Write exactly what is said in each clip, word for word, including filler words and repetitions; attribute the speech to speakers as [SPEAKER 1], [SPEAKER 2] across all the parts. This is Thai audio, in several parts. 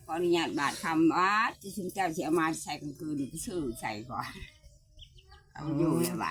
[SPEAKER 1] ขออนุญาตบาทคำว่าจะชุมเจ้าจะเอามาใส่กลางคืนก็ซื้อใส่ก่อนเอาอยู่ในบาท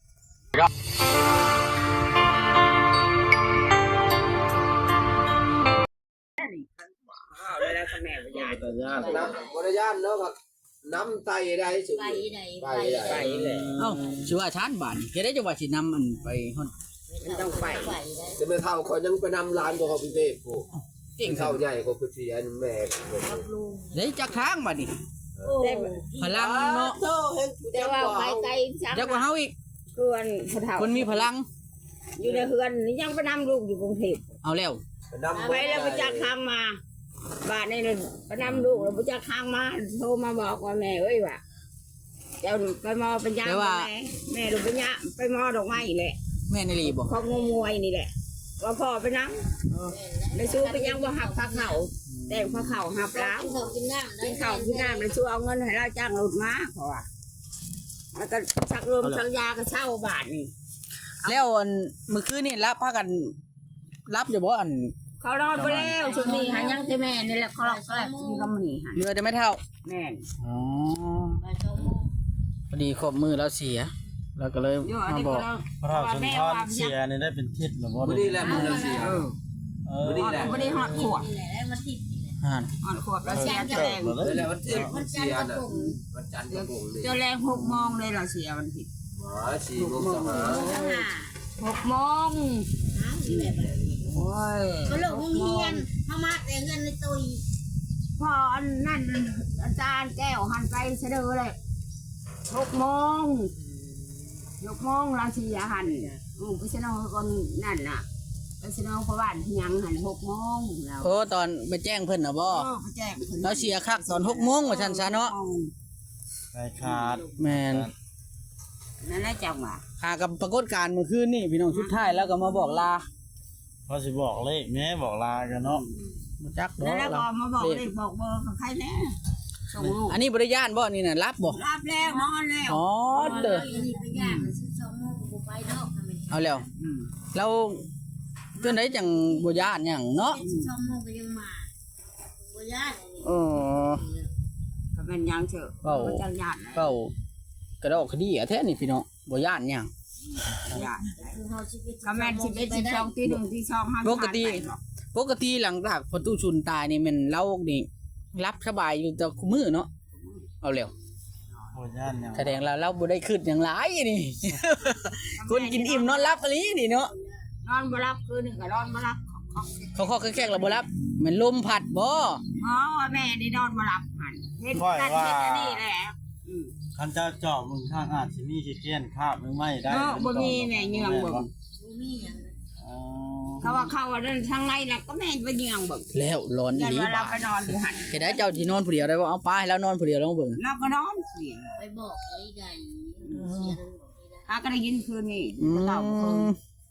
[SPEAKER 1] เลยแล้วก็แม่วิญญาณ
[SPEAKER 2] แต่ญาติ
[SPEAKER 3] น้ำบริยานเนาะครับน้ำไตได้สุด
[SPEAKER 4] ไปไหน
[SPEAKER 3] ไป
[SPEAKER 4] ไป
[SPEAKER 3] ได้
[SPEAKER 1] ไปเลย
[SPEAKER 5] เอ้าชื่อว่าชานบ้านเฮ็ดได้จังว่าสินำอันไปฮอด
[SPEAKER 1] มันต้องไป
[SPEAKER 4] ไปได้
[SPEAKER 3] จะไม่เท่าคนยังไปนำร้านของเขาพิเศษผู้
[SPEAKER 5] เก่ง
[SPEAKER 3] เท่าใหญ่กว่าผู้เสียแม่
[SPEAKER 4] กับลุง
[SPEAKER 5] ได้จักทางบัดนี้
[SPEAKER 4] โอ้
[SPEAKER 5] พลังเนาะ
[SPEAKER 1] แต่ว่าไปไกลจัง
[SPEAKER 5] จักกว่าเฮาอีก
[SPEAKER 1] เพื่อนผู้เฒ่า
[SPEAKER 5] คนมีพลัง
[SPEAKER 1] อยู่ในเฮือนนี่ยังไปนำลูกอยู่กรุงเทพ
[SPEAKER 5] เอาแล้ว
[SPEAKER 1] ไปแล้วไปจักทางมาบ้านนี่เลยไปนำลูกแล้วไปจักทางมาโทรมาบอกว่าแม่เอ้ยว่าเจ้าไปมอปัญญาแม่แม่ลูกปัญญาไปมอดอกไม้แหละ
[SPEAKER 5] แม่นลีบ่
[SPEAKER 1] เขางมวยนี่แหละว่าพ่อไปนั่งไปสู้ไปยังว่าหับพักเขาแต่พอเขาหับแล้ว
[SPEAKER 4] กินข้าวกินน้ำ
[SPEAKER 1] กินข้าวกินน้ำไปสู้เอาเงินให้เราจ้างรถมาเพราะว่าแล้วก็ชักลมชักยาก็เช่าบาทนี่
[SPEAKER 5] แล้วอันเมื่อคืนนี่รับพากันรับอยู่บ่อัน
[SPEAKER 1] เขารอดไปแล้วชุดนี้หันยังที่แม่นี่แหละเขารอดก็แล้วที่เขาหนีหัน
[SPEAKER 5] เรือจะไม่เท่า
[SPEAKER 1] แม่น
[SPEAKER 5] อ๋อ
[SPEAKER 4] ไปสองโมง
[SPEAKER 5] พอดีครบมือแล้วเสียแล้วก็เลย
[SPEAKER 1] โยอัน
[SPEAKER 5] มา
[SPEAKER 1] นี้
[SPEAKER 5] บ
[SPEAKER 1] ก็
[SPEAKER 5] อก
[SPEAKER 1] เรา
[SPEAKER 2] พระราชทานเสียนี่ได้เป็นทิศหรือบ่
[SPEAKER 3] วันนี้แหละมันเสีย
[SPEAKER 1] เออ
[SPEAKER 2] เออ
[SPEAKER 3] นี่แหละ
[SPEAKER 1] ไม่ได้หอดขวบ
[SPEAKER 4] นี่แหละได้มาติดนี่แหละ
[SPEAKER 5] อ่าน
[SPEAKER 1] หอดขวบแล้วเสียเจะแรง
[SPEAKER 3] นี่แหละวันที่
[SPEAKER 4] มั
[SPEAKER 3] มัน น
[SPEAKER 4] จั
[SPEAKER 3] เสี
[SPEAKER 4] น
[SPEAKER 3] ย
[SPEAKER 4] ทร์กระ
[SPEAKER 3] น่ะ
[SPEAKER 4] ปุก
[SPEAKER 3] วันจันทร์กระปุกเลย
[SPEAKER 1] เจะแรงหกโมงเลยเราเสียมันผิด
[SPEAKER 3] หมาสี่โมงสหา
[SPEAKER 4] ข้างหน้า
[SPEAKER 1] หกโมง
[SPEAKER 4] หาที่แบบนี้
[SPEAKER 1] โอ้ย
[SPEAKER 4] ก็ลงโรงเรียนเข้ามาแต่เงินในตุย
[SPEAKER 1] พออันนั่นอาจารย์แก้วหันไปเสดอเลยหกโมงหกโมงเราเสียหันอือไปเสนอคนนั่นน่ะไปเสนอพระบ้านที่ยังหันหกโมงเรา
[SPEAKER 5] โอ้ตอนไปแจ้งเพิ่นน่ะบ่
[SPEAKER 1] เออไปแจ้งพิ่น
[SPEAKER 5] เราเสียคักตอนหกโมงว่าซั่นซะเนาะ
[SPEAKER 2] ใจขาด
[SPEAKER 5] แม่น
[SPEAKER 1] นั่นแหละจังหวะ
[SPEAKER 5] หากับปรากฏการณ์เมื่อคืนนี่พี่น้องสุดท้ายแล้วก็มาบอกลา
[SPEAKER 2] พอสิบอกเลขแม่บอกลากันเนาะ
[SPEAKER 5] บ่จักดอ
[SPEAKER 1] นั่น
[SPEAKER 5] ก
[SPEAKER 1] แหละ
[SPEAKER 5] เรา
[SPEAKER 1] ก็มาบอกเลยบอกเบอร์ของใครแน่ส่งลูก
[SPEAKER 5] อันนี้บริญาณบ่นี่น่ะรับบ่
[SPEAKER 1] รับแล้วนอนแล้ว
[SPEAKER 5] อ๋อเด้อ
[SPEAKER 4] นี่ไปย่างสิบสองโมงกูไปเนาะทำไม
[SPEAKER 5] เอาแล้ว
[SPEAKER 1] อืม
[SPEAKER 5] เราเพื่อนได้จังบ่ญาติหยังเนาะ
[SPEAKER 4] สิบสองโมงก็ยังมาบ่ย่าน
[SPEAKER 5] เออ
[SPEAKER 1] ก็เป็นยังเถอะ
[SPEAKER 5] เว้า
[SPEAKER 1] มันจังหยาดเลย
[SPEAKER 5] เป้ากระดอกคดีอะแท้นี่พี่น้องบ่ญาติหยัง
[SPEAKER 1] หยาด
[SPEAKER 4] คือเฮาสิบเอ็ด
[SPEAKER 1] ก็แม่นสิบเอ็ดสิบสองตีหนึ่งตีสองห้า
[SPEAKER 5] ปกติปกติหลังจากพอตู้ชุนตายนี่แมันเรานี่รับสบายอยู่แต่คุมื้อเนาะเอาแล้ว
[SPEAKER 2] บ่ย่านหยัง
[SPEAKER 5] แสดงแล้วเราบ่ได้คิดหยังหลายนี่ คนกินอิ่มนอนหลับอีหลีนี่เนาะ
[SPEAKER 1] นอนบ่รับคืนนึงก็นอนบ่รับของ
[SPEAKER 5] เขาขอแขกๆแล้วบ่รับแมันลมพัดบ่
[SPEAKER 1] อ๋อแม่นี่นอนมาหลับหันเห็นนั่นเห็นอันนี้แหละอืม
[SPEAKER 2] คันเจ้าเจาะมึงข้างอาจสิมีขี้เกียจคาบมึงไม่ได้
[SPEAKER 1] เออบ่มีแม่เหยื่องเบิ่ง
[SPEAKER 4] บ่มีหยัง
[SPEAKER 2] อ๋อ
[SPEAKER 1] เขาว่าเขาว่าเดินทางในน่ะก็แม่นไปเหยื่องเบิ่ง
[SPEAKER 5] แล้วร้อนอี
[SPEAKER 1] ยัน
[SPEAKER 5] หลี
[SPEAKER 1] ว่าเรา
[SPEAKER 5] บ่า
[SPEAKER 1] ไปนอนอยู่หัน
[SPEAKER 5] เฮ็ดได้เจ้าสินอนผู้เดียวได้บ่เอาไปแล้วนอนผู้เดียวลองเบิ่ง
[SPEAKER 1] เราก็นอนเสียง
[SPEAKER 4] ไปบอกไอ้ใดเสียงบอกไอ้ใด
[SPEAKER 1] อาก็ได้ยินคืนนี้
[SPEAKER 5] อื
[SPEAKER 1] ก็เล่าคืน
[SPEAKER 5] ม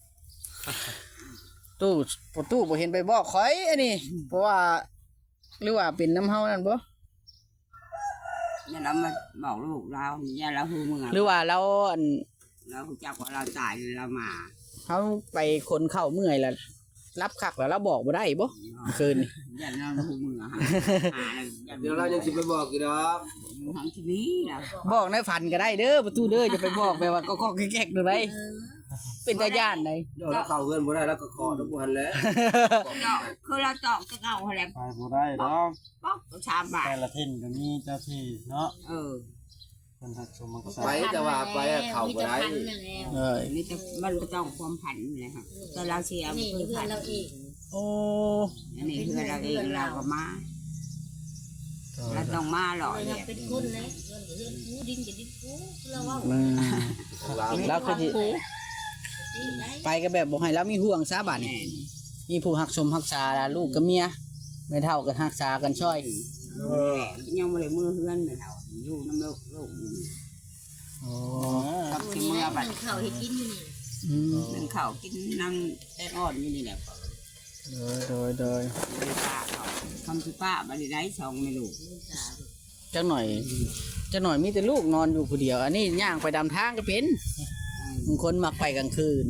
[SPEAKER 5] ตู้ประตูบ่เห็นไปบอกข่อยอันนี้เพราะว่าหรือว่าเป็นน้ำเฮานั่นบ่
[SPEAKER 1] อย่าเรามาบอกลูกเราอย่าเราหูมึง
[SPEAKER 5] หรือว่าเราอัน
[SPEAKER 1] เราจักว่าเราตายเรามา
[SPEAKER 5] เฮาไปคนเข้าเมื่อยแล้วรับคักแล้วเราบอกบ่ได้บ่คืนนี่
[SPEAKER 1] อย่าเราหูมึงอะฮะ
[SPEAKER 3] เดี๋ยวเรายังสิไปบอกอยู่ดอก
[SPEAKER 1] ทางที่นี้นะ
[SPEAKER 5] บอกในฝันก็ได้เด้อประตูเด้อจะไปบอกไปว่าก็ก็แก๊กๆดูได้
[SPEAKER 4] เออ
[SPEAKER 5] เป็นตาย่านได้
[SPEAKER 3] เดี๋ยวเราเข้าเงินบ่ได้แล้วก็ขอทุกวันแล้ว
[SPEAKER 1] คือเราตอกจะเอาอะไร
[SPEAKER 2] ไปบ่ได้ดอก
[SPEAKER 1] ป๊อกสามบาท
[SPEAKER 2] แต่ละทิศก็มีเจ้าที่เนาะ
[SPEAKER 1] เออ
[SPEAKER 2] เพิ่นทักสมรักษา
[SPEAKER 3] ไปแต่ว่าไปเข้าบ่ได้
[SPEAKER 4] มีแต่พันนั่นแล้ว
[SPEAKER 5] เอ้ย
[SPEAKER 1] นี่จะมันก็ต้องความผันเลยครับแต่เราเสีย
[SPEAKER 4] นี่
[SPEAKER 1] คือ
[SPEAKER 4] เพื่อ
[SPEAKER 1] ผั
[SPEAKER 4] น
[SPEAKER 1] น
[SPEAKER 4] เราเอง
[SPEAKER 5] โอ้
[SPEAKER 1] อันนี้คือเราเองเราก็มาเราต้องมาหล่อ
[SPEAKER 4] เรา
[SPEAKER 1] เนี่ย
[SPEAKER 4] เป็นคนเลยเงินกับเงินกูดินกับดินกูเราว่า
[SPEAKER 5] อืม
[SPEAKER 3] ของเรา
[SPEAKER 5] แล้วคือสิไปก็แบบบ่ให้เรามีห่วงซะบัดนี้มีผู้รักชมรักษาลูกกับเมียไม่เท่ากันรักษากันช่วย
[SPEAKER 1] เออยังไม่ได้มือเฮือนเลยเราอยู่น้ำลูกลูก
[SPEAKER 5] โอ้
[SPEAKER 1] กับที่เมื่อบัด
[SPEAKER 4] เขาให้กินอยู่นี่
[SPEAKER 5] อืม
[SPEAKER 1] นึ่งข้าวกินนั่งแต่อ่อนอยู่นี่แหละ
[SPEAKER 5] โดยโดยโดย
[SPEAKER 1] ป้าเขาทำที่ป้าบัดนี้ได้สองไม่ลูก
[SPEAKER 5] จักหน่อยจักหน่อยมีแต่ลูกนอนอยู่ผู้เดียว อันนี้ย่างไปดำทางก็เป็นบางคนมักไปกลางคืน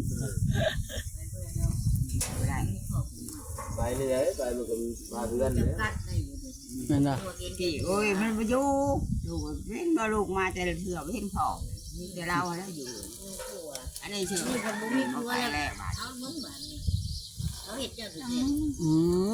[SPEAKER 1] ได้
[SPEAKER 3] ไปนี่แหละไปมันก็มาเดือน
[SPEAKER 4] จำ
[SPEAKER 3] เนี่ย
[SPEAKER 4] กัดได้อยู่
[SPEAKER 1] อืม
[SPEAKER 5] นั่นน่ะ
[SPEAKER 4] ตัวกิน
[SPEAKER 1] ที่โอ้ยมันมาอยู่ลูกเห็นมาลูกมาแต่ละเถื่อเห็นพ่อนี่แต่เราแล้วอยู่
[SPEAKER 4] ผัว
[SPEAKER 1] อันนี้ชื่อ
[SPEAKER 4] นี่คนบ่มีผัว
[SPEAKER 1] ไป
[SPEAKER 4] แล้ว
[SPEAKER 1] แล้วบาด
[SPEAKER 4] เอามึงบ้านนี่เขาเห็ดเจ้าสุดเด็ด
[SPEAKER 5] อืม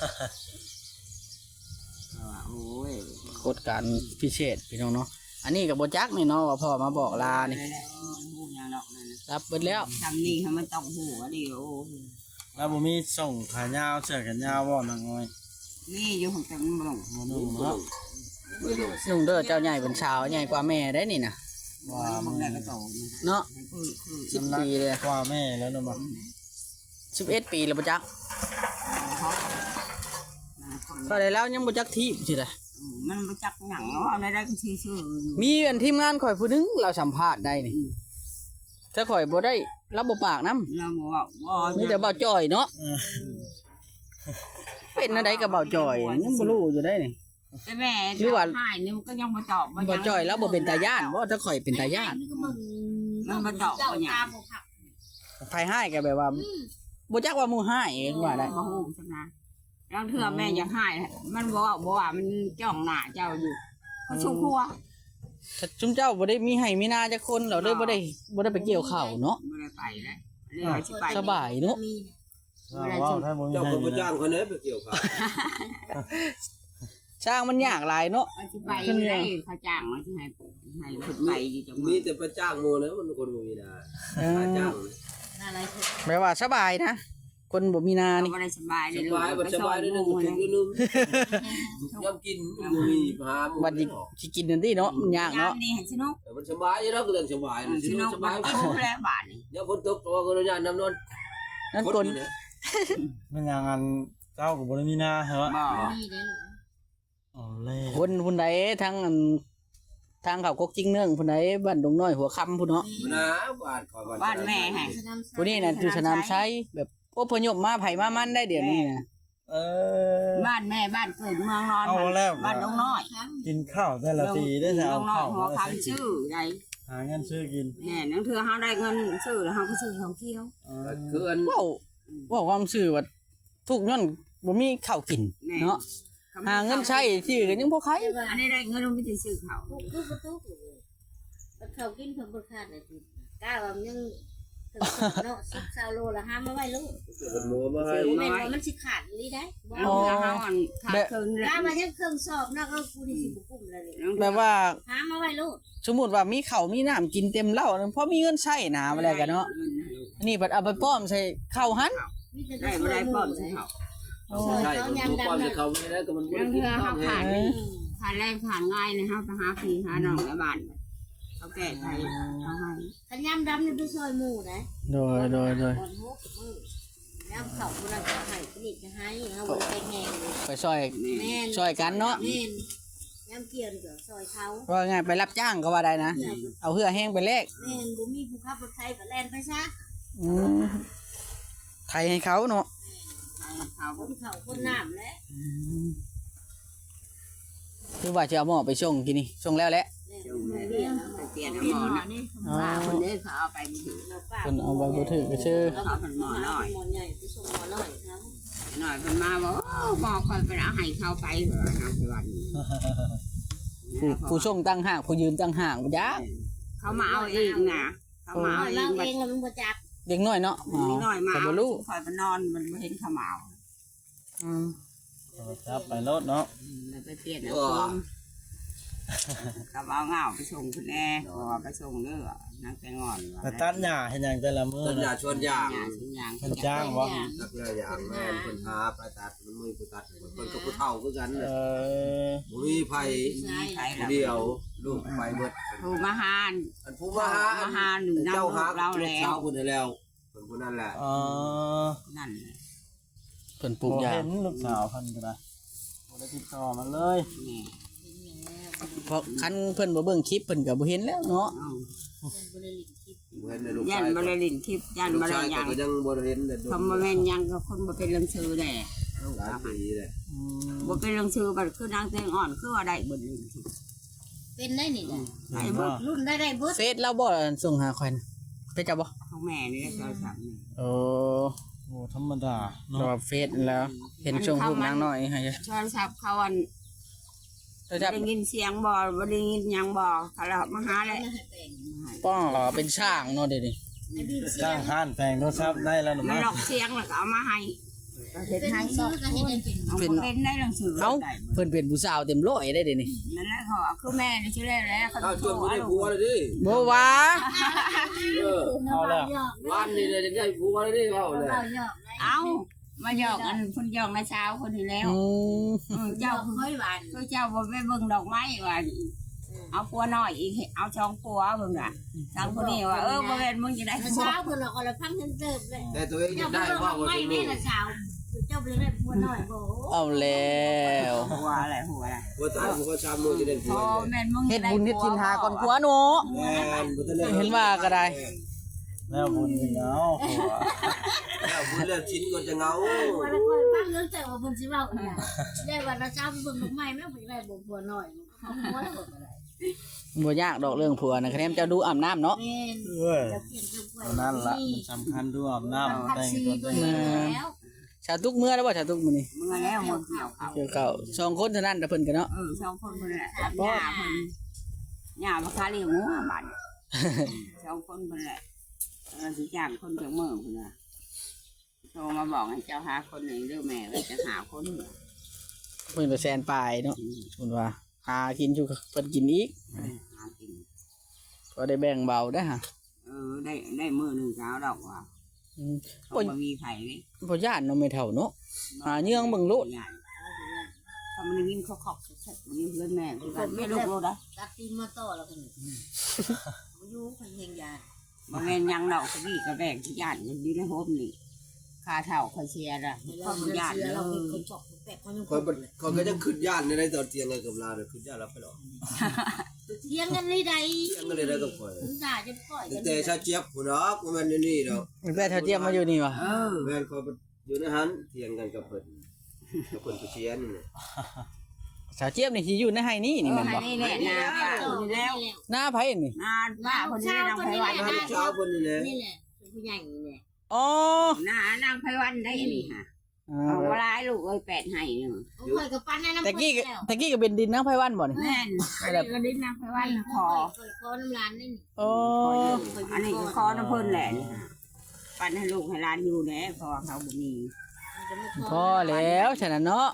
[SPEAKER 1] ว่าโอ้ย
[SPEAKER 5] กฎการพิเศษพี่น้องเนาะอันนี้ก็บ่จักนี่เนาะว่าพ่อมาบอกลานี่
[SPEAKER 1] ไปแล้วหูอย่างนอกนั่นน่ะ
[SPEAKER 5] รับเบิดแล้ว
[SPEAKER 1] ทำนี่ให้มันต้องหูอันนี้โอ้ย
[SPEAKER 2] แล้วบ่มีส่งขายาวเสื้อกันยาวบ่นางน้อย
[SPEAKER 1] นี่อยู่ของแต่มันบ่ลง
[SPEAKER 2] บ่นุ่งเนาะ
[SPEAKER 5] นุ่งเด้อเจ้าใหญ่เป็นสาวใหญ่กว่าแม่ได้นี่นะ
[SPEAKER 2] ว่า
[SPEAKER 1] มั
[SPEAKER 2] มัน น
[SPEAKER 1] ได้ก็โตมัน
[SPEAKER 5] เนาะ
[SPEAKER 1] คือคือ
[SPEAKER 5] สิบปีเลย
[SPEAKER 2] กว่าแม่แล้วเนาะบ่
[SPEAKER 5] สิบเอ็ดปีแล้วบ่จัก
[SPEAKER 1] เขาคน
[SPEAKER 5] ก็ได้แล้วยังบ่จักทีบสิได้
[SPEAKER 1] มันบ่จักหยังเอาได้ได้ก็ชื่อชื่ออยู่
[SPEAKER 5] มีอันทีมงานข่อยผู้หนึงเราสัมภาษณ์ได้นี่ถ้าข่อยบ่ได้รับบ่ปากนำ
[SPEAKER 1] เราบอกว่าบ่
[SPEAKER 5] มีแต่เบาจ่อยเนาะเป็นอะไรกับเบาจ่อยยังบ่รู้อยู่ได้นี่
[SPEAKER 1] แต่แม่
[SPEAKER 5] หรือว่า
[SPEAKER 1] หายนี่มันก็ยังบ่ตอบ
[SPEAKER 5] เบาจ่อยแล้วบ่เป็นตาย่านบ่ถ้าข่อยเป็นตาย่าน
[SPEAKER 4] นี่ก็มึง
[SPEAKER 1] มันบ่ตอบ
[SPEAKER 4] เจ้า
[SPEAKER 1] บ่หยั
[SPEAKER 4] ตาง บ่ผัก
[SPEAKER 5] ไผให้ก็แบบว่าบ่จักว่าหมู่ให้ว่าได้
[SPEAKER 1] บ่ฮู้ซั่นนะลางเทื่อแม่อยากหายมันบ่ว่าบ่ว่ามันจ้องหน้าเจ้าอยู่เขาชุกหัว
[SPEAKER 5] ถ้าจุมเจ้าบ่ได้มีให้มีนาจักคนเราเลยบ่ได้บ่ได้ไปเกี่ยวข้าวเนาะ
[SPEAKER 1] บ่ได้ไปเลยเรียกว่าสิไป
[SPEAKER 5] สบายเนาะ
[SPEAKER 4] มี
[SPEAKER 2] ว่าว่าถ้าบ่มี
[SPEAKER 3] เจ้า
[SPEAKER 2] ให้
[SPEAKER 3] คนบ่
[SPEAKER 2] นะ
[SPEAKER 3] จ้างคนไหนไปเกี่ยวข้าว
[SPEAKER 5] ช่างมันยากหลายเนาะ
[SPEAKER 1] ว่าสิไปได้เขาจ้างว่าสิให้ให้เพิ่นไปอยู่จังห
[SPEAKER 3] มี
[SPEAKER 1] วัด
[SPEAKER 3] แต่ไปจ้างหมู่นะมันคนบ่มีนาหาจ้าง
[SPEAKER 4] อะไรคือ
[SPEAKER 5] แปลว่าสบายนะ คนบ่มีนา
[SPEAKER 1] เรา
[SPEAKER 5] นี่
[SPEAKER 1] บ่ได้สบาย
[SPEAKER 3] ส
[SPEAKER 1] เลย
[SPEAKER 3] บายบ่สบายได้นึงถึงนึงยามกินบ่มีหาหมู่
[SPEAKER 5] บัดนี้สิกินนั่นติเนาะมันยากเนาะ
[SPEAKER 1] นี่ให้สนุก
[SPEAKER 3] มันสบายอยู่แล้วก็เรื่องสบาย
[SPEAKER 1] สนุก
[SPEAKER 3] ส
[SPEAKER 1] บา
[SPEAKER 3] บาย
[SPEAKER 1] ยโคแล้วบาดนี่
[SPEAKER 3] เดี๋ยวฝนตกตัวก็ญาตน้ำนอน
[SPEAKER 5] นั่นคน
[SPEAKER 2] มันอย่างอันเจ้าก็บ่ได้มีหน้าเหรอ
[SPEAKER 1] บ่
[SPEAKER 4] มีเด้อ
[SPEAKER 2] อ๋อเล่
[SPEAKER 5] คนผู้ใดทั้งอันทางเขากกจิ้งเนื่องผู้ใดบ้านดงน้อยหัวค่ำผู้เนาะ
[SPEAKER 3] นะบ้านขอ
[SPEAKER 1] บ้านแม่ให้
[SPEAKER 5] ผู้นี้น่ะอยู่สนามชัยแบบอพยพมาไผมามันได้เดี๋ยวนี้นะ
[SPEAKER 2] เออ
[SPEAKER 1] บ้านแม่บ้านเกิดเมืองนอน
[SPEAKER 2] เอาแล้ว
[SPEAKER 1] บ้านดงน้อย
[SPEAKER 2] กินข้าวแต่ละทีได้จะ
[SPEAKER 1] ด
[SPEAKER 2] เอา
[SPEAKER 1] งน้อ
[SPEAKER 2] ข้า
[SPEAKER 1] ยว หัว
[SPEAKER 2] มา
[SPEAKER 1] คำชื่อใด
[SPEAKER 2] หาเงินซื้อกิน
[SPEAKER 1] แน่นั่นคือเฮาได้เงินซื้อแล้วเฮาก็ซื้อของเที่ยว
[SPEAKER 2] เออ
[SPEAKER 3] คืออัน
[SPEAKER 5] เว้าเว้าความซื่อว่าทุกย้อนบ่มีข้าวกินเนาะหาเงินใช้ชื่อก็ยังบ่ใคร
[SPEAKER 1] อันนี้ได้เงินมันไม่ได้ซื้อเขา
[SPEAKER 4] ทุกทุกทุกทุกเขากินเพิ่นบ่ขาดเลยทีกล้าว่ามันยังถึงเนาะสิบเก้าโลละห้ามมาไว้ลูก
[SPEAKER 3] คนหมูมาให้
[SPEAKER 4] แม่นว่ามันสิขาดลีได้บ่
[SPEAKER 1] เอาเงินเฮาอันขาดคืน
[SPEAKER 4] กล้ามายังเครื่องสอบนะก็กูนี่สิบ่กุ้มเลย
[SPEAKER 5] แบบว่า
[SPEAKER 4] หามาไว้ลูก
[SPEAKER 5] สมมุติว่ามีข้าวมีน้ำกินเต็มเหล้าเพราะมีเงินใช้นะอะไรกันเนาะอันนี้บัดเอาไปป้อมใส่ข้าวหัน
[SPEAKER 4] มีแต่
[SPEAKER 1] ได้บ่ได้ป้อมใส่เขา
[SPEAKER 3] ใช่คนทุกคนจะเขาไม่ได้ก็มันบ่
[SPEAKER 1] นั่น
[SPEAKER 3] ได้
[SPEAKER 1] คือ
[SPEAKER 3] กิน
[SPEAKER 1] เฮา
[SPEAKER 3] ข้าว
[SPEAKER 1] ขาด
[SPEAKER 3] ให้
[SPEAKER 1] ขาดแรงขาดง่ายนะเฮาไปหาพี่หาน้องในบ้านเขาแก้ไขเขาให้
[SPEAKER 4] คันยามดำนี่ไปซอยหมู่นะ
[SPEAKER 5] โดยโดยโดย
[SPEAKER 4] ก่อนหกมื้อยามเข้าบ่ได้ก็ให้ผลิตจะให้เฮาบ่ได้ไปแหงเลย
[SPEAKER 5] ไปซอย
[SPEAKER 4] แม่น
[SPEAKER 5] ซอยกันเนาะ
[SPEAKER 4] แม่นยามเกี่ยวนี่ก็ซอยเขา
[SPEAKER 5] ว่าไงไปรับจ้างก็ว่าได้นะ เอาเหือแห้งไปแลก
[SPEAKER 4] แม่นบ่มีผู้ขับรถไถก็แล่นไปซะ
[SPEAKER 5] อืมไทยให้เขาเนาะ
[SPEAKER 1] เขา
[SPEAKER 4] คนเขาคนน้ำแหละ
[SPEAKER 5] คือว่าจะเอาหม้อไปส่งกินนี่ส่งแล้วแหละ
[SPEAKER 4] เรียน
[SPEAKER 1] ไปเปลี่ยนหมอนะป้าคนนี้เขาเอาไปถือ
[SPEAKER 4] เราป้า
[SPEAKER 5] เพิ่นเอาไปบ่ถือก็ชื่อ
[SPEAKER 1] เขาเป็นหมอน้อย
[SPEAKER 4] หมอใหญ่ไปส่งหมอน้อยครับ
[SPEAKER 1] หน่อยเป็นมาบอกหมอคอยไปเอาให้เขาไปเหรอทางสวรรค์
[SPEAKER 5] ผู้ผู้ส่งตั้งห่างผู้ยืนตั้งห่างบ่ยัก
[SPEAKER 1] เขามาเอาเองนะเขามาเอาเอ
[SPEAKER 4] เรา
[SPEAKER 1] ง
[SPEAKER 4] เองเราเป็นบ่จับ
[SPEAKER 5] เด็กน้อยเนาะ
[SPEAKER 1] นิดหน่อยมา
[SPEAKER 5] ก็
[SPEAKER 1] เอา
[SPEAKER 5] บ่รู้
[SPEAKER 1] คอยไปนอนมันเห็นเขามาเอา
[SPEAKER 5] อืม
[SPEAKER 2] จับไปรถเนาะ
[SPEAKER 1] แล้วไปเปลี่ยนเอาเพิ่มกับเอาเงาไปส่งคุณแน่พอไปส่งเด้อนั่งแต่งอน
[SPEAKER 2] แต่ตัดหญ้าเฮ็ดหยังแต่ละมื้อ
[SPEAKER 3] ต้นยา
[SPEAKER 2] นะ
[SPEAKER 3] ชวนย่าง
[SPEAKER 1] อย่างสิ่งอย่าง
[SPEAKER 2] เพิ่นจ้างบ่
[SPEAKER 3] นักเรียนอย่างแม่นเพิ่นหาไปตัดมันมือผู้ตัดเพิ่นก็ผู้เฒ่าคือกัน
[SPEAKER 2] เอ
[SPEAKER 3] น่ะ
[SPEAKER 2] อ
[SPEAKER 3] บ่มีไผ
[SPEAKER 4] ใช่
[SPEAKER 1] ใช่
[SPEAKER 3] ผู้
[SPEAKER 1] แล้ว
[SPEAKER 3] เดียวลูกไปเบิด
[SPEAKER 1] ครูมาหาน
[SPEAKER 3] อันผู้มาหา
[SPEAKER 1] มาหาหนึ่ง
[SPEAKER 3] เจ้าหา
[SPEAKER 1] เราแล้ว
[SPEAKER 3] เจ้าคนให้แล้วเพิ่นผู้นั้นแหละ
[SPEAKER 2] อ๋อ
[SPEAKER 1] นั่น
[SPEAKER 5] เพิ่นปลูกยา
[SPEAKER 2] บ่เห็นลูกสาวเพิ่นก็ได้บ่ได้ติดต่อมันเลย
[SPEAKER 1] นี่
[SPEAKER 5] เพราะคันเพิ่นบ่เบิ่งคลิปเพิ่นก็บ่เห็นแล้วเนาะ
[SPEAKER 1] เอา
[SPEAKER 4] บริลิตคิด
[SPEAKER 3] บ่เห็นในลูก
[SPEAKER 1] ยั
[SPEAKER 3] ชาน ย
[SPEAKER 1] บริลินทิพย์ยัน
[SPEAKER 3] ลู
[SPEAKER 1] บ
[SPEAKER 3] ก
[SPEAKER 1] ริ
[SPEAKER 3] ชาย
[SPEAKER 1] ยัง
[SPEAKER 3] ก็ยังบ่ได้เห็นแต่โดน
[SPEAKER 1] คำว่าแม่นยังก็คนบ่เป็นเรื่องชื่อแหละ
[SPEAKER 3] หลายปีเลย
[SPEAKER 5] อืม
[SPEAKER 1] บ่เป็นเรื่องชื่อบัดคือนางแตงอ่อนคือว่าได้เบิดเลย
[SPEAKER 4] เป็นได้นี่จ้ะ
[SPEAKER 1] ได้เบิด
[SPEAKER 4] รุ่นได้ได้เบิด
[SPEAKER 5] เฟซเราบ่ส่งหาข่อยนะไปจับบ่
[SPEAKER 1] ของแม่นี่โทรศัพท์นี่
[SPEAKER 5] โอ้
[SPEAKER 2] โอ้ธรรมดา
[SPEAKER 5] เรา
[SPEAKER 2] เนาะ
[SPEAKER 5] เฟซแล้ว เห็นช่วงรูปนางน้อยให้
[SPEAKER 1] โทรศัพท์เขาอัน
[SPEAKER 5] โทรศัพท์
[SPEAKER 1] ได้ยินเสียงบ่บ่ได้ยินหยังบ่เขาเรามาหาเลย
[SPEAKER 5] ป้อเป็นช่างเนาะเดี๋ยวนี้
[SPEAKER 2] จ้างห้านแปลงโทรศัพท์ได้แล้วหรือ
[SPEAKER 1] มัน
[SPEAKER 2] ไม่
[SPEAKER 1] หลอกเสียงแล้วก็เอามาให้เฮ็ดให้
[SPEAKER 4] ซื้
[SPEAKER 1] ก็
[SPEAKER 4] อก็เฮ็ดให้เป็น
[SPEAKER 1] เอาเป็นได้หนังสือ
[SPEAKER 5] เอ้าเพิ่นเป็นผู้สาวเต็มร้อยได้เดี๋ยวนี้
[SPEAKER 1] นั่นแหละเขาคือแม่นี่ชื่อแล้วเขา
[SPEAKER 3] ถ้าชวนกูได้ผัวเลยดิ
[SPEAKER 5] บ่ว่า
[SPEAKER 3] เออ
[SPEAKER 2] เอาแล้ว
[SPEAKER 3] วันนี้เลยจะได้ผัวเลยดิเอาเลย
[SPEAKER 1] เอามาหยอกอันคนหยอกในเช้าคนที่แล้ว
[SPEAKER 5] อืม
[SPEAKER 1] เจ้าเคยหวานคือเจ้าบ่ไปเบิ่งดอกไม้ว่าเอาปัวน้อยอีกเอาช่องปัวเบิ่งอ่ะทางคนนี้ว่าเออบ่แม่นมึงจะได้ผัว
[SPEAKER 4] เช้าเพิ่นออกละพังเติบเลย
[SPEAKER 3] แต่ตัวเองจะได้ว่าว่า
[SPEAKER 4] ไม่
[SPEAKER 3] จะ
[SPEAKER 4] แม่
[SPEAKER 3] รู้
[SPEAKER 4] ละเช้าเจ้าไปได้ผัวน้อยบ่
[SPEAKER 5] เอาแล้ว
[SPEAKER 1] หัวอะไรหัวอะไร
[SPEAKER 3] ว่าตายผัวชามมือจะได้ผั
[SPEAKER 1] พ
[SPEAKER 3] ว
[SPEAKER 1] อแม่นมึง
[SPEAKER 5] เฮ็ดบุญเฮ็ดกินหาก่อนผัวเนาะ
[SPEAKER 3] แม่บุญเลย
[SPEAKER 5] เห็นว่าก็ได้
[SPEAKER 2] แล้วบุญถึงเอาผัว
[SPEAKER 3] แล้วบุญแล้วชิ้นก็จะเงา
[SPEAKER 4] ผัวละคนพังเรื่องแต่ว่าเพิ่นสิเว้าอีหยังได้ว่าละเช้าเบิ่งดอกไม้แม่บ่ได้บ่ผัวน้อยเอาผัวแล้วบ่ได้
[SPEAKER 5] บ่ยากดอกเรื่องผัวนะคะแนนเจ้าดูอาบน้ำเนาะ
[SPEAKER 4] แม่น
[SPEAKER 2] เว้ย
[SPEAKER 4] จะเปลี่ยนตัวป่วย
[SPEAKER 2] นั่นละมันสำคัญด้วยอาบน้ำแต่งตัวแต่ง
[SPEAKER 4] แล้ว
[SPEAKER 5] ชาวทุกเมื่อแล้วว่าชาวทุกมื้อนี้
[SPEAKER 1] มึงแล้วหมดเกี่ยวเขา
[SPEAKER 5] เกี่ยวเก่าสองคนเท่านั้นแต่เพิ่นกันเนาะ
[SPEAKER 1] เออสองคนคนแหละหญ้าเพิ่นหญ้ามาคาเลี้ยงหัวบัดสองคนคนแหละเออสิจ้างคนจากเมืองพุ่นน่ะโทรมาบอกให้เจ้าหาคนหนึ่งเด้อแม่ว่าจะหาคนหนึ่ง
[SPEAKER 5] เพิ่นก็แซนปลายเนาะเพิ่นว่าหากินอยู่เพิ่นกินอีก
[SPEAKER 1] หากิน
[SPEAKER 5] ก็ได้แบ่งเบาได้อฮะ
[SPEAKER 1] เออได้ได้มือหนึ่งเช้าดอกว่า
[SPEAKER 5] อืม
[SPEAKER 1] เขาบ่มีไผ่เลย
[SPEAKER 5] บ่ย่านเนาะไม่เท่าเนาะ หาเยื่องเบิ่งโลด
[SPEAKER 1] ถ้ามันได้ยินเขาขอบเสร็จมันนี่เพื่อนแม่คือกันไม่ลูกโลดนะ
[SPEAKER 4] ตักตีนมาต่อแล้วกันอยู่คนเฮงยา
[SPEAKER 1] บางแม่นยังดอกสกี้กระแบกที่ญาติมันอยู่ในโฮมนี่คาเท่าคาเชียร์ละเขาบ่ญาติเลย
[SPEAKER 4] เราเป็นคนจอกแปะคนยัง
[SPEAKER 3] คนคนก็จะขึ้นย่านในตอนเตียงเลยกับลาเลยขึ้นย่านแล้วไปหรอก
[SPEAKER 4] เที่ยงกันเลยใด
[SPEAKER 3] เตียงก็เลยได้กับคอย
[SPEAKER 4] คุณตาจะปล่อยกัน
[SPEAKER 3] แต่ชาเจี๊ยบหัวรักมันนี่เนาะ
[SPEAKER 5] แม่เท่าเทียมมาอยู่นี่วะ
[SPEAKER 1] เออ
[SPEAKER 3] แม่นคอยอยู่ในหันเตียงกันกับเพิ่นกับเพิ่นผู้เชียนนี่
[SPEAKER 5] สาวเจี๊ยบนี่สิอยู่ในไห้นี่นี่แม่นบ่
[SPEAKER 1] นี่แหละนาป้าคนนี้แล้ว
[SPEAKER 5] หน้าไผนี่
[SPEAKER 1] นาป้าคนนี้นางไพวัน
[SPEAKER 3] น้ำเช้าเพิ่นนี่แหละ
[SPEAKER 4] นี่แหละผู้ใหญ่นี่แหละ
[SPEAKER 5] อ๋อ
[SPEAKER 1] นานางไพวันได้นี่ค่ะ
[SPEAKER 5] อ่า
[SPEAKER 1] เอาเวลาลูกเอ้ยแปดให้หนึ่ง
[SPEAKER 4] โอ้ยกับปั้นนั่นน้ำ
[SPEAKER 5] ตะกี้ก็ตะกี้ก็เป็นดินนางไผวันบ่นี่
[SPEAKER 1] แม่นอันนี้ก็ดิ้นนางไพวันคอ
[SPEAKER 4] คอน้ำลานนี่
[SPEAKER 5] อ๋อ
[SPEAKER 1] อันนี้ก็คอน้ำเพิ่นแหละนี่ปันให้ลูกให้ร้านอยู่แน่พอเขาบ่มี
[SPEAKER 5] พอแล้วฉะนั้นเนาะ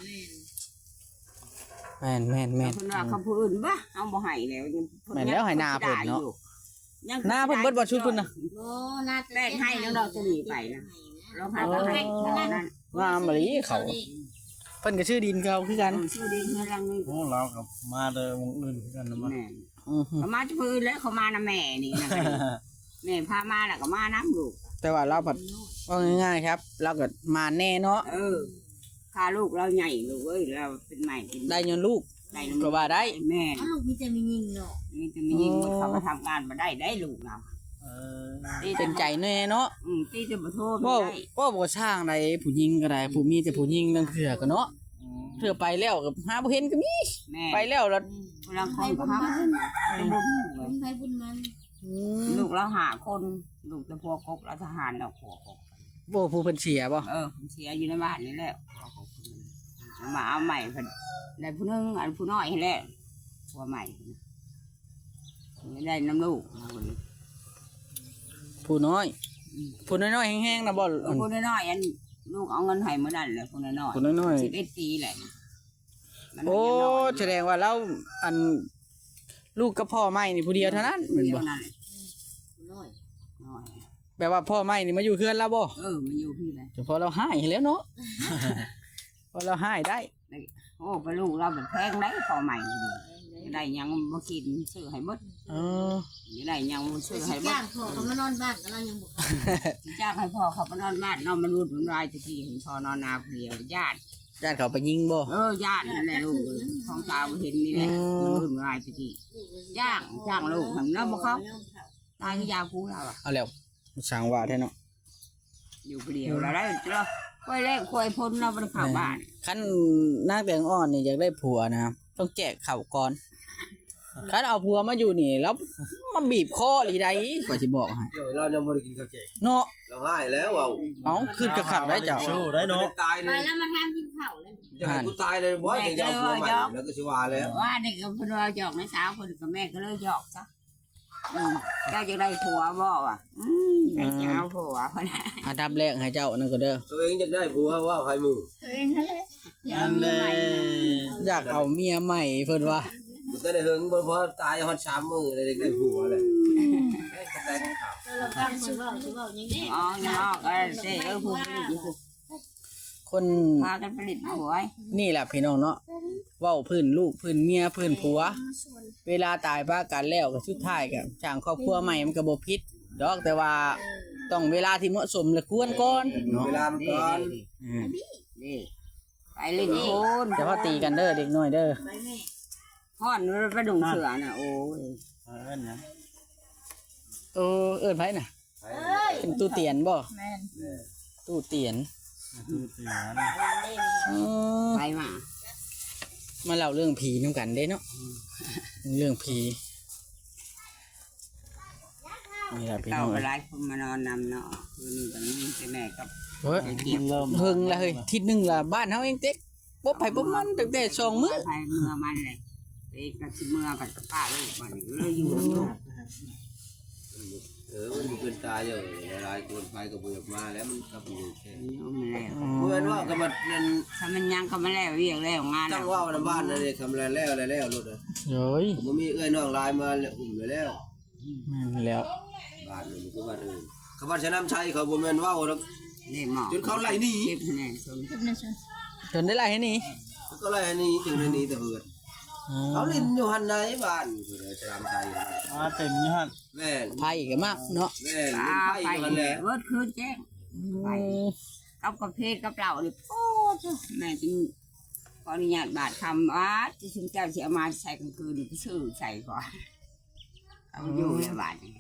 [SPEAKER 5] แม่นแม่นแม่น
[SPEAKER 1] เพิ่นว่าเขาผู้อื่นบ่เอาบ่ให้แล้วยัง
[SPEAKER 5] แม่นแล้วให้หน้าเพิ่นเนาะ
[SPEAKER 1] ยัง
[SPEAKER 5] หน้าเพิ่นเบิดบ่ชุดเพิ่นน่ะ
[SPEAKER 4] โอ้น่า
[SPEAKER 1] แป้งให้แล้วเราจะหนีไปนะเราหาก็ให้นั่น
[SPEAKER 5] งามมะลิเขาเพิ่นก็ชื่อดินเขาคือกัน
[SPEAKER 1] ชื่อดีเฮือรังนี่
[SPEAKER 2] พวกเรากับมาเดิมวงอื่นคือกันนะมั้ง
[SPEAKER 1] แม่
[SPEAKER 5] อือฮึ
[SPEAKER 1] เขามาจะพื้นแล้วเขามานะแม่นี่นะแม่พามาแล้วก็มาน้ำลูก
[SPEAKER 5] แต่ว่าเราผัดว่าง่ายๆครับ เราก็มาแน่เนาะ
[SPEAKER 1] เออพาลูกเราใหญ่ลูกเอ้ยเราเป็นใหม่กิน
[SPEAKER 5] ได้ยนลูก
[SPEAKER 1] ได้
[SPEAKER 5] ก็ว่าได้
[SPEAKER 1] แม่
[SPEAKER 4] ลูกมีแต่มียิงเนาะ
[SPEAKER 1] นี่จะมียิงเขามาทำงานมาได้ได้ลูกเรา
[SPEAKER 2] เออ
[SPEAKER 5] เป็นใจแน่เนาะ
[SPEAKER 1] อืมตีจะมาโทษ
[SPEAKER 5] ว่า
[SPEAKER 1] ไม่ได้
[SPEAKER 5] ว่าบ่สร้างใดผู้หญิงก็ได้ผู้มีแต่ผู้หญิงนั่นเถื่อก็เนาะเถื่อไปแล้วก็หาบ่เห็นก็มี
[SPEAKER 1] แม่
[SPEAKER 5] ไปแล้วแล้ว
[SPEAKER 1] เวลาคนก็หาเป็นบุญ
[SPEAKER 4] บุญไปบุญมัน
[SPEAKER 5] อืม
[SPEAKER 1] ลูกเราหาคนลูกจะพวกกบเราทหารเราขัวกบ
[SPEAKER 5] บ่ผู้เพิ่นเสียบ่
[SPEAKER 1] เออผมเสียอยู่ในบ้านนี่แหละมาเอาใหม่เพิ่นได้ผู้หนึงอันผู้น้อยให้แล้วผัวใหม่ไม่ได้น้ำลูก
[SPEAKER 5] ผู้น้อยผู้น้อยๆแห้งๆนะบ่
[SPEAKER 1] ผู้น้อยๆอันลูกเอาเงินให้เมื่อนั้นแหละผู้น้อย
[SPEAKER 5] ผู้น้อย
[SPEAKER 1] สิบเอ็ดปีแหละมัน
[SPEAKER 5] ๆโอ้แสดงว่าเราอันลูกกับพ่อใหม่นี่ผู้เดียวเท่านั้นแม่น
[SPEAKER 1] เดีย
[SPEAKER 5] บ่
[SPEAKER 1] วนั่นแหละ
[SPEAKER 4] น้อย
[SPEAKER 1] น้อย
[SPEAKER 5] แปลว่าพ่อใหม่นี่มาอยู่เฮือนเราบ่
[SPEAKER 1] เออมันอยู่พี่เลย
[SPEAKER 5] เฉพาะเราหายแล้วเนาะ พอเราหายได้
[SPEAKER 1] โอ้ไปลูกเราเป็นแพงได้พอใหม่ดีได้ยังมากินซื้อให้บด
[SPEAKER 5] เออ
[SPEAKER 1] ได้ยังมาซื้อให้บ
[SPEAKER 4] ย่า
[SPEAKER 1] ด
[SPEAKER 4] งพ่อเขามานอนบ้านกันเรายังบอก
[SPEAKER 1] จ้างให้พ่อเขาไปนอนบ้านนอนมันรุดมันรายตะกี้เห็นพ่อนอนนาเดียวญาติ
[SPEAKER 5] ญาติเขาไปยิงบ่
[SPEAKER 1] เออญาตินั่นแหละลูกท้องตาเห็นนี่แหละมันรุดมันรายตะกี้จ้างจ้างลูกทำน้ำบ่เขาตายก็ยาคูเราอะ
[SPEAKER 5] เอาแล้วสร้างว่าแท้เนาะ
[SPEAKER 1] อยู่เดียวเราได้เราค่อยแรกค่อยพ้นเราไปเข้าบ้าน
[SPEAKER 5] คันนางแตงอ่อนนี่อยากได้ผัวนะครับต้องแจกข้าวก่อนคันเอาผัวมาอยู่นี่แล้วมาบีบคอหรือใดก็สิบอกให้
[SPEAKER 3] เดี๋ยวเรายังบ่ได้กินข้าวแกง
[SPEAKER 5] เนาะ
[SPEAKER 3] เราให้แล้วเอา
[SPEAKER 5] เอ้าคือกระขักได้เจ้า
[SPEAKER 2] สู้ได้เนาะ
[SPEAKER 3] ตาย
[SPEAKER 4] ไป
[SPEAKER 3] เลย
[SPEAKER 4] แล้วมาทำกินข้าวเลย
[SPEAKER 3] จะให้กูตายเลยบ่จะเอาผัวใหม่แล้วก็สิว่าแล้ว
[SPEAKER 1] ว่าเด็กกับคนเราหยอกในสาวคนกับแม่ก็เลยหยอกซะอืมเจ้าจะได้ผัวบ่อ่ะอืมอยากจะเอาผัวคนนั้น
[SPEAKER 5] อันดับแรกให้เจ้านั่นก็เด้อ
[SPEAKER 3] ตัวเองจะได้ผัวว่าให้มึง
[SPEAKER 1] ตัวเองนั่นแหละอยาก
[SPEAKER 2] อัน
[SPEAKER 1] มี
[SPEAKER 2] เด้
[SPEAKER 1] ใหม่
[SPEAKER 5] อยากเอาเมียใหม่เพิ่นว่า
[SPEAKER 3] มันก็ได้เฮิงบ่พอตายฮอดสามมื้อเลยได้ผัวเลยก็ได้ข่าว
[SPEAKER 4] เราฟังสิเว้าสิเว้าอย่างนี้
[SPEAKER 1] อ๋อยังออกก็เซ่เออผู้ผลิตอยู่
[SPEAKER 5] คน
[SPEAKER 1] พากันผลิตผัว
[SPEAKER 5] นี่แหละพี่น้องเนาะเว้าพื้นลูกพื้นเมียพื้นผัว เวลาตายป้ากันแล้วก็สุดท้ายก็จ้างครอบครัวใหม่มันก็บ่ผิดดอกแต่ว่าต้องเวลาที่เหมาะสมและควรก่อนเนาะ
[SPEAKER 3] เวลามันก่อน
[SPEAKER 5] อืม
[SPEAKER 1] นี่ไปเล่นโคน
[SPEAKER 5] แต่ว่าตีกันเด้อเด็กน้อยเด้อ
[SPEAKER 4] ไปแม่
[SPEAKER 1] ห่อนไปดุงเสือน่ะโอ้ย
[SPEAKER 2] เออเนี่ย
[SPEAKER 5] เออเอิ้นไผน่ะ
[SPEAKER 4] เอ้ย
[SPEAKER 5] เป็นตู้เตียนบ่
[SPEAKER 4] แม่น
[SPEAKER 5] ตู้เตียน
[SPEAKER 2] คือเสียน
[SPEAKER 5] เออ
[SPEAKER 1] ไปมา
[SPEAKER 5] มาเล่าเรื่องผีนํกันเด้เนาะเรื่องผีนี่แหละพี่
[SPEAKER 1] เต่า
[SPEAKER 5] น้อง
[SPEAKER 1] ไปไล่คนมานอนนำเนาะคืนนี้ตอนนี้ใช่แม่กับ
[SPEAKER 5] เฮ้ย
[SPEAKER 2] มันเริ่ม
[SPEAKER 5] เฮิงละเฮ้ยทิศหนึงละบ้านเฮาเองเต็กบ่ไผบ่มันตั้งแต่สองมื้อ
[SPEAKER 1] ไปเมื่อมันเลยไปกับเมื่อกับป้าลูกมันเลยอยู่อยู่
[SPEAKER 3] เออมันมีคนตายอยู่หลายคนไปก็บ่อยากมาแล้วมันก็บ่อยู่แค่
[SPEAKER 1] นี่เอามาแล้ว
[SPEAKER 3] เมื่อว่าก็มันนั่น
[SPEAKER 1] ถ้ามันยังก็มาแล้วเรียกแล้วงาน
[SPEAKER 3] ตั้งว่าวในบ้านนั่นเลยทำอะไรแล้วอะไรแล้วรถอ่ะ
[SPEAKER 5] เฮ้ย
[SPEAKER 3] ผมมีเอ้ยน้องลายมาแล้วอุ้มไปแล้ว
[SPEAKER 5] แม่นแล้ว
[SPEAKER 3] บ้านนี่ก็บ้านอื่นเขาบ้านชะน้ำชัยเขาบ่แม่นว่าวหรอก
[SPEAKER 1] นี่หมอ
[SPEAKER 3] จนเขาไล่หนี
[SPEAKER 1] เก็บคะแนนชม
[SPEAKER 5] จนได้ไรให้นี่
[SPEAKER 3] เขาก็ไล่หนีถึงไล่หนีแต่เหือดเขาเล่นอยู่หันในบ้านคือชะน้ำชัย
[SPEAKER 2] มาเต็มอยู่หั่น
[SPEAKER 3] แม่น
[SPEAKER 5] ไพ่ก็มากเนาะ
[SPEAKER 3] แม่น
[SPEAKER 1] ตา
[SPEAKER 3] ไป
[SPEAKER 1] ไป
[SPEAKER 3] อยู่หันแหละ
[SPEAKER 1] เวิร์ดคืนแจ้งไปกับกระเพาะกับเหล่านี่โอ้แม่จึงขออนุญาตบาทคำว่าจะถึงเจ้าเสียมาใส่กลางคืนนี่ก็ชื่อใส่ก่อนเอาอยู่ในบ้านนี่